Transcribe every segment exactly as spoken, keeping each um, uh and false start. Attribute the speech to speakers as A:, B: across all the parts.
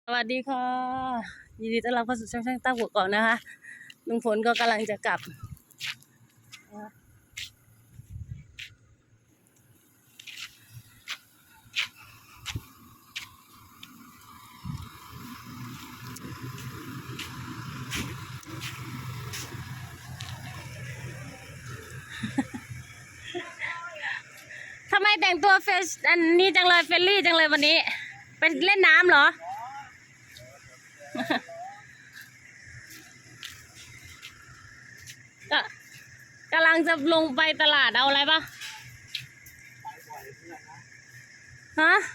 A: สวัสดีค่ะยินดีต้อนรับเข้าสู่ช่องช่างตั้งหัวก่อนนะคะลุงพลก็กำลังจะกลับทำไมแต่งตัวเฟชอันนี้จังเลยเฟรนลี่จังเลยวันนี้ไปเล่นน้ำเหรอ ก็กำลังจะลงไปตลาดเอาอะไรปะฮะ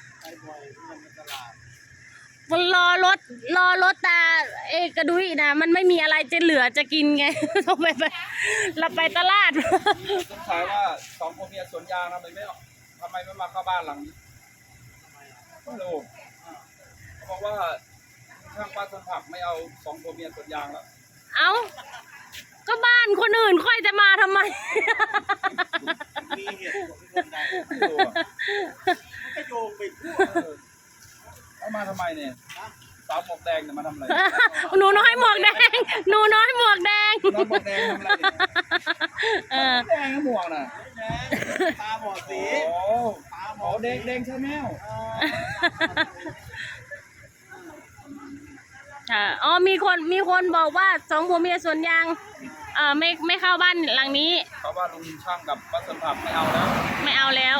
A: มันรอรถรอรถแต่เอกระดุยนะมันไม่มีอะไรจะเหลือจะกินไง ต้องไปไปเราไปตลาด
B: สงสัยว่าสองผัวเมียสวนยางทำไมไม่ทำไมไม่มาเข้าบ้านหลังนี้ไม่รู้เขาบอกว่าช่างป้าสวนผักไม่เอาสองผัวเมียสวนยางแล้ว
A: เอาก็บ้านคนอื่นค่อยจะมาทำไม
C: มีเหตุผลที่คนใด
B: ไม่รู้อะ
C: มันก็โยงไปทั่ว
B: เอามาทำไมเนี่ยสาวหมวกแดงเนี่ยมาทำอะไร
A: หนูน้อยหมวกแดง หนูน้อยหมวกแดง
B: น้องหมวกแดงทำอะไรเนี่ย
A: เออ
B: แดงก็หมวกน่ะ
C: แดงตาบอดสี
B: โอ้
C: ตาบ
B: โห
C: อด
B: แดงแดงใช่แมว
A: ค่ะอ๋อมีคนมีคนบอกว่าสองผัวเมียสวนยางเออไม่ไม่เข้าบ้านหลังนี้
B: เขาว่าลุงช่างกับป้าสวนผักไม่เอาแล้ว
A: ไม่เอาแล้ว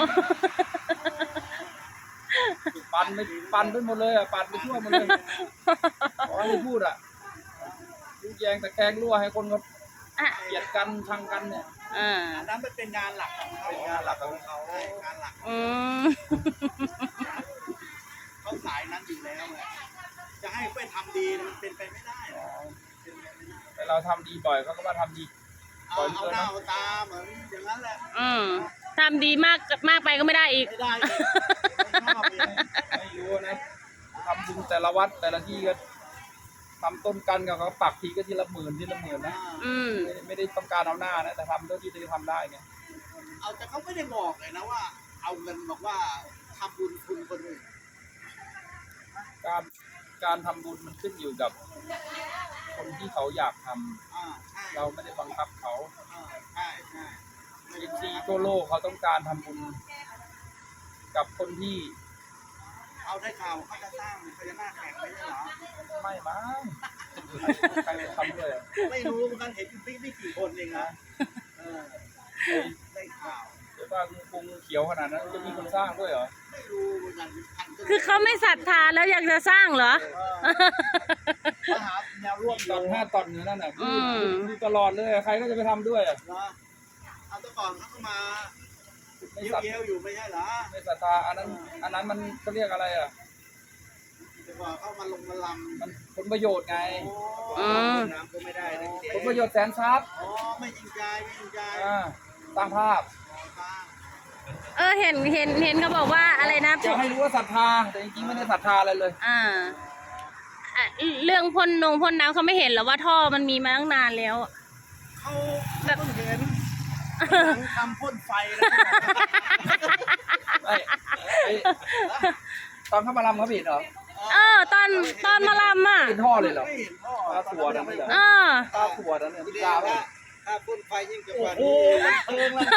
B: ปันไปปันไปหมดเลยอ่ะปันไปทั่วหมดเลยขอให้พูดอ่ะลูกแยงตะแกรงรั่วให้คนเขา
A: อ่ะ
B: เกลียดกันชังกันเนี่ย
A: อ่า
C: อันนั้นมันเป็นงานหลักของเขา
B: เป็นงานหลักของเขา
C: ใช่งานหลัก
A: อืม
C: เขาสายนั้นอยู่แล้วไงจะให้ไปทำดีมันเป็นไปไม่ได้หรอกเป็นไปไม่ได้
B: แต่เราทำดีบ่อยเขาก็ว่าทำดี
C: เอาเอาหน้าเอาตาเหมือนอย่างนั้นแหละ
A: อืมทำดีมากมากไปก็ไม่ได้อีก
C: ไม่ได้เลยไม่ชอบเลย
B: ไม่รู้นะทำบุญแต่ละวัดแต่ละที่ก็ทำต้นกันกับเขาปักทีก็ทีละหมื่นทีละหมื่นนะ
A: อืม
B: ไม่ได้ไม่ได้ต้องการเอาหน้านะแต่ทำเท่าที่จะทำได้ไง
C: เอาแต่เขาไม่ได้บอกเลยนะว่า เอาเงินบอกว่าทำบุญคุณคนอื่น
B: การการทำบุญมันขึ้นอยู่กับคนที่เขาอยากทำ
C: อ่าใช่
B: เราไม่ได้บังคับเขา
C: อ่าใช่ใช่ไม่
B: เอ
C: ได้
B: ซีทั่วโลกเขาต้องการทำบุญกับคนที่
C: เอาได้ข่าวเขาจะสร้างพญานาคแข่งไม่ใช่เหรอ
B: ไม่มั้งใครทำด้วยอะ
C: ไม่รู้เหมือนกันเห็นอยู่ไม่ไม่กี่คนเองนะเออได้ข่าว
B: เดี๋ยวว่างูกรุงเขียวขนาดนั้นจะมีคนสร้างด้วยเหรอ
C: ไม่รู้เหมือนกันพันก็
A: คือเขาไม่ศรัทธาแล้วอยากจะสร้างเหรอ
C: เออมาหาแนวร่วม
B: ตอนห้าตอนเนื้อนั่นน่ะ
A: อืม
B: ดูตลอดเลยใครก็จะไปทำด้วยอ่ะ
C: เหรอเอาแตะก่อนเขาก็มา
B: ไม่
C: เยี่
B: ศรัท
C: ยวๆอยู่ไม่ใช่เหรอ
B: ไม่ศรัทธาอันนั้น อันนั้นมันเขาเรียกอะไรอ่ะ
C: แต่ก่อนเขามาลงมาลำ
B: มันผลประโยชน์ไง
C: โอ้น้ำก็ไม่ได้นะ
B: ผลประโยชน์แสนทรัพย์
C: อ๋อไม่จริงใจไม่จริงใจ
B: อ่าสร้างภาพ
C: บ้าง
A: เออเห็นเห็นเห็นเขาบอกว่าอะไรนะ
B: จะให้รู้ว่าศรัทธาแต่จริงๆไม่ได้ศรัทธาอะไรเลย
A: อ่าอ่ะเรื่องพ่นนงพ่นน้ำเขาไม่เห็นเหรอว่าท่อมันมีมาตั้งนานแล้ว
C: เขาแบบเพิ่งเห็นหลังทำพ่นไฟแล้ว
B: ไอ้ไอ้ตอนเข้ามาลำเขาผิดเหรอ
A: เออ ตอนตอนมาลำอ่ะ
B: ผิดท่อเลยเหรอ
C: ไม่เห็นพ่อ
B: ตาถั่วนั่นเหรอ
A: เออ
B: ตาถั่วนั่นเนี่ย
C: ที่
B: ตา
C: ว่า
B: ว่า
C: ถ้าพ่นไฟยิ่งจะกว่า
B: โอ้
C: นี้
B: โหมันเพิงแล้ว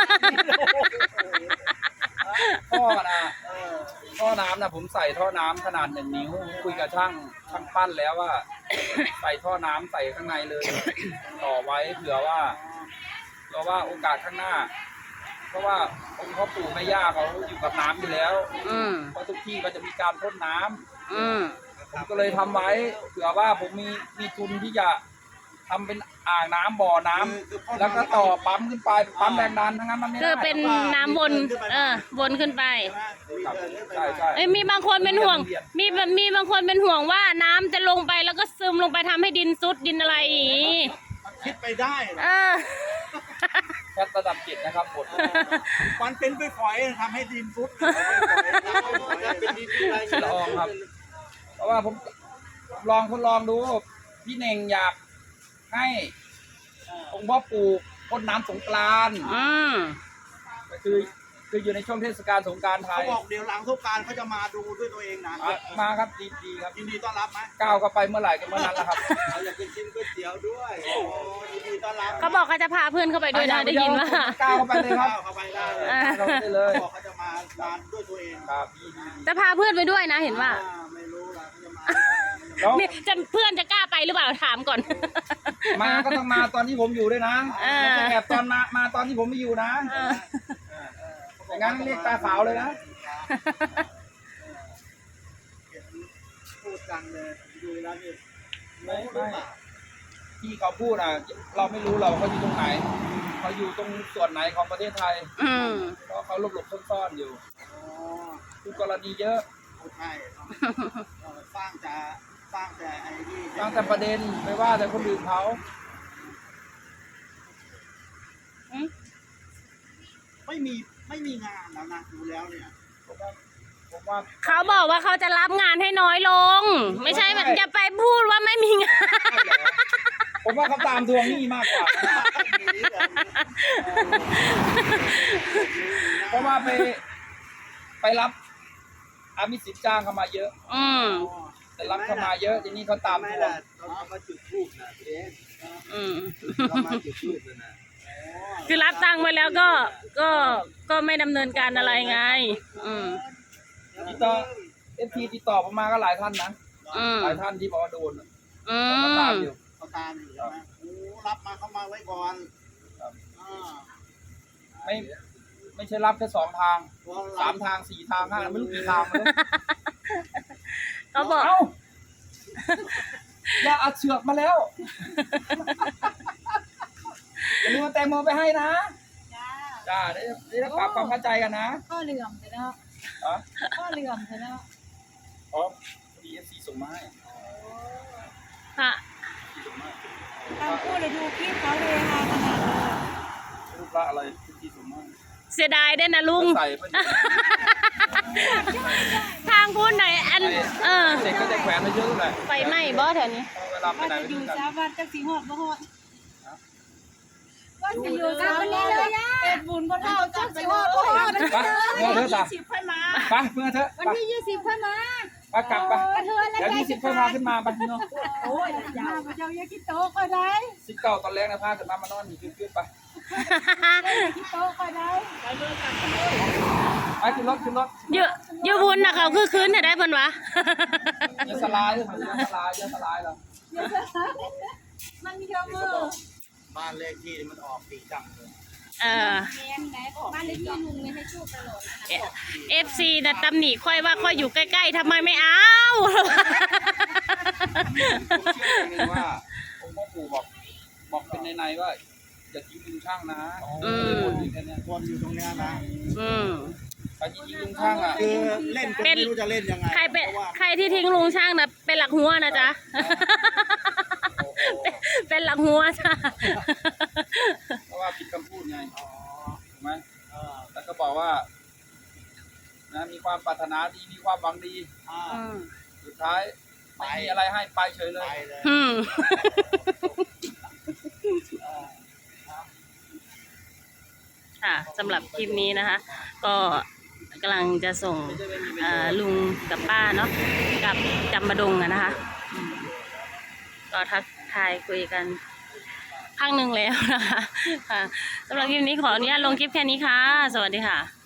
B: ท่อนะ
C: เออ
B: ท่อน้ำนะผมใส่ท่อน้ำขนาดหนึ่งนิ้วคุยกับช่างช่างปั้นแล้วว่า ใส่ท่อน้ำใส่ข้างในเลย ต่อไว้เผื่อว่าเผื่อว่าโอกาสข้างหน้า เพราะว่าองค์พ่อปู่แม่ย่าเขาอยู่กับน้ำอยู่แล้ว
A: อืม
B: เพราะทุกที่ก็จะมีการพ่นน้ำ
A: อืม
B: ผมก็เลยทำไว้เผื่อว่าผมมีมีทุนที่จะทำเป็นอ่างน้ำบ่อน้ำ
C: คือพ่น
B: แล้วก็ต่อปั๊มขึ้นไปปั๊มแรงดันทั้งนั้นมันไม่
A: คื
B: ได้
A: อเป็นน้ำวน เออ วนขึ้นไป
B: ครับใช่ใช่
A: เอ้ยมีบางคนเป็นห่วง มีแบบมีบางคนเป็นห่วงว่าน้ำจะลงไปแล้วก็ซึมลงไปทำให้ดินซุดดินอะไรอย่างงี้
C: มันคิดไปได้เหรอ
A: เออ
B: แคทระดับเจ็ดนะครับบท
C: มันเป็นไปฝอยทำให้ดินฟุดเป็นดินอะไร
B: ละอองครับ เพราะว่าผมลองทดลองดูพี่เน่งอยากให้องค์พ่อปู่พ่นน้ำสงกรานต์
A: อืม
B: ก็คือคืออยู่ในช่วงเทศกาลสงกรานต์ไท
C: เขา
B: ย
C: บอกเดี๋ยวหลังสงกรารเขาจะมาดูด้วยตัวเองนะ
B: อ่ะมาครับดีดีครับ
C: ยินดีต้อนรับไหม
B: ก้าวก็ไปเมื่อไหร่ก็เมื่อนั้นแหละครับ
C: เราอยากกินชิ้นก๋วยเตี๋ยวด้วยโอ้ยินดีต้อนรับ
A: เขาบอกเขาจะพาเพื่อนเข้าไปด้วยนะได้ยินว่า
B: ก้าวเข้าไปเลยครับ
C: เข้าไปได้เลย
A: อ่า
B: ก้าวเข้าไปเลย
C: เขาบอกเขาจะมาร้านด้วยตัวเอง
B: ครับดีดี
A: จะพาเพื่อนไปด้วยนะเห็นว่า
C: อ่ไม่รู้ล่ะเขาจะมา
B: แล้ว
A: เนี่ยจะเพื่อนจะกล้าไปหรือเปล่าถามก่อน
B: มาก็ต้องมาตอนที่ผมอยู่ด้วยนะ
A: เออ
B: ไม่ใช่แอบตอนมามาตอนที่ผมไม่อยู่นะ
A: เออ
B: อย่างนั้นเรียกตาขาวเลยนะ
C: เห็นพูดกันเลยดูแล้วนี่
B: ไม่ไม่ที่เขาพูดอ่ะ เราไม่รู้เราเขาอยู่ตรงไหนเขาอยู่ตรงส่วนไหนของประเทศไทย
A: อืม
B: เพราะเขาหลบหลบซ่อนๆอยู่
C: อ๋อ
B: คือกรณีเยอะ
C: ใช่เออสร้างจะสร้างแต่ไอ้ที่
B: ตั้งแต่ประเด็นไม่ว่าแต่คนอื่นเขา
C: ไม่มีไม่มีงานแล้วนะดูแล้วเนี่ย
B: ผมว่าผมว่า
A: เขาบอกว่าเขาจะรับงานให้น้อยลง ไม่ใช่แบบอย่าไปพูดว่าไม่มีงาน
B: ผมว่าเขาตามทวงหนี้มากกว่า เพราะว่าไปไปรับอามิสิทธิ์จ้างเข้ามาเยอะ
A: อืม
B: แต่รับเข้ามาเยอะทีนี้เขาตาม
C: ไม่
B: ทวง
C: ล่ะเรามาจุดทูบนะเอง
A: อืม
C: เรามาจุดทูบเลยนะ
A: คือรับตังค์ไว้แล้วก็ ก็ ก็ไม่ดำเนินการอะไรไง อืม
B: ติดต่อเอฟทีติดต่อผมมาก็หลายท่านนะ
A: อืม
B: หลายท่านที่บอกว่าโดน
A: อื
B: เขาตาม
A: ม
B: อยู่
C: เขาตามอยู่ใช่ไหมโอ้รับมาเข้ามาไว้ก่อน
B: ครับ
C: อ่า
B: ไม่ไม่ใช่รับแค่สองทาง
C: พอ
B: สา
C: รั
B: ม
C: บ
B: ทางสี่ทางห้าไม่รู้กี่ทางเลย
A: เขาบอก
B: เอ้าอย่าอัดเชือกมาแล้วอย่าลืมเอาแตงโมไปให้นะ
D: จ้า
B: จ้าได้ได้ปรับความเข้าใจกันนะ
D: ข้อเหลื่อมไปแล้ว
B: อ๋อ
D: ข้อเหลื่อมไปแล้ว
B: อ๋อดีเอฟซีส่งมาให้
A: ค่ะ
B: ส่งมา
D: ทางคู่เลยดูคลิปเขาเลยฮาขนาดเลย
B: รูปละอะไรที่ส่งมาให้
A: เสียดายด้วยนะลุง
B: ใส่เพื่อน
A: ทางพูดหน่อยอัน เออ
B: เด็กก็จะแขวนไว้เยอะเลย
A: ไฟไหม้บ่แถวนี้
B: เวลาไป
D: ว่า
B: ไหน
D: จะ
B: ไป
D: อ
B: ด้
D: ยู่
B: วยกัน
D: สาวัดจักสีหอดบ่หอดว่าจะอยู่สาวัดเป็ดบุญบ่เท่าจักสีหอดบ่หอด
B: ไปเมื่อเถอะจ้ะ
D: สิบค่อยมา
B: ไปเมื่อเถอะ
D: วัน
B: ไป
D: ที่ยี่สิบค่อยมา
B: ไปกลับไป
D: กระเทือนแล้ว
B: เดี๋ยวยี่สิบค่อยพาขึ้นมาไปเนาะ
D: โอ้ยอย่าพระเจ้าอย่าคิดโตก็ได้
B: สิบเก้าตอนแรกนะพาขึ้นมามานอนอยู่ขึ้นๆไป
D: อย่าคิดโตก็ได้
B: ไปขึ้นรถขึ้นรถ
A: เยอะเยอะบุญนะเขาคือคืนเนี่ยได้เพิ่นวะ
B: อย่าสลายเลยอย่าสลายอย่าสลายหรอก
D: มันมีเยอะมือ
C: บ้านเลขที่มันออกสีจังเลย
A: เออ
D: แม่นไหนบ้านเลขที่ลุงเนี่ยให้โชคตลอดนะคะ
A: เอฟซีนะตำหนิค่อยว่าค่อยอยู่ใกล้ๆทำไมไม่เอา
B: ผมเชื่ออย่างหนึงว่าองค์พ่อปู่บอกบอกเป็นในๆว่าอย่าทิ้งลุงช่างนะ
A: อืม
B: วนอยู่แค่เนี้ย
C: วนอยู่ตรงเนี้ยนะ
A: อืม
B: ไปทิ้งลุงช่างอ่ะ
C: คือเล่นจน
A: เป็น
C: ไม่รู้จะเล่นยังไง
A: ใครเป็น
C: พาะว่า
A: ใครที่ทิ้งลุงช่างนะเป็นหลักหัวนะจ๊ะ เป็นหลักหัวจ้ะ
B: เพราะว่าผิดคำพูดไง
C: อ๋อ
B: ถูกไหม
C: เออ
B: แล้วก็บอกว่านะมีความปรารถนาดีมีความหวังดี
C: อ่า
A: อืม
B: สุดท้ายไม่มีอะไรให้ไปเฉยเล
C: ไป
B: ย
C: เลย
A: อืม
C: เออ
A: ค่ะสำหรับคลิปนี้นะคะ ก็กำลังจะส่งเอ่อลุงกับป้าเนาะกับจำบดงอะนะคะอืมก็ทักทายคุยกันพักหนึ่งแล้วนะคะค่ะสำหรับคลิปนี้ขออนุญาตลงคลิปแค่นี้ค่ะ สวัสดีค่ะ